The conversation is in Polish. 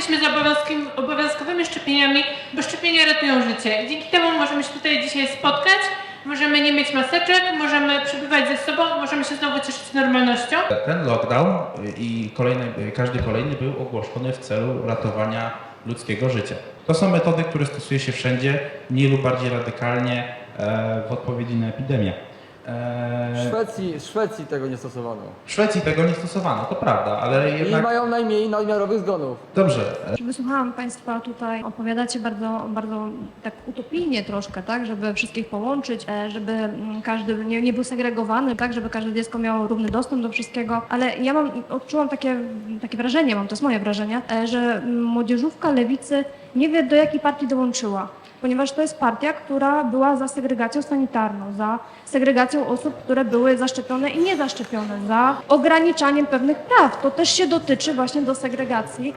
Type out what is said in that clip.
jesteśmy za obowiązkowymi szczepieniami, bo szczepienia ratują życie. I dzięki temu możemy się tutaj dzisiaj spotkać, możemy nie mieć maseczek, możemy przebywać ze sobą, możemy się znowu cieszyć normalnością. Ten lockdown i każdy kolejny był ogłoszony w celu ratowania ludzkiego życia. To są metody, które stosuje się wszędzie, mniej lub bardziej radykalnie w odpowiedzi na epidemię. W Szwecji tego nie stosowano. W Szwecji tego nie stosowano, to prawda, ale I jednak... mają najmniej nadmiarowych zgonów. Dobrze. Wysłuchałam Państwa tutaj, opowiadacie bardzo tak utopijnie troszkę, tak, żeby wszystkich połączyć, żeby każdy nie był segregowany, tak, żeby każde dziecko miało równy dostęp do wszystkiego, ale ja odczułam takie wrażenie, to jest moje wrażenie, że młodzieżówka lewicy nie wie, do jakiej partii dołączyła. Ponieważ to jest partia, która była za segregacją sanitarną, za segregacją osób, które były zaszczepione i niezaszczepione, za ograniczaniem pewnych praw. To też się dotyczy właśnie do segregacji.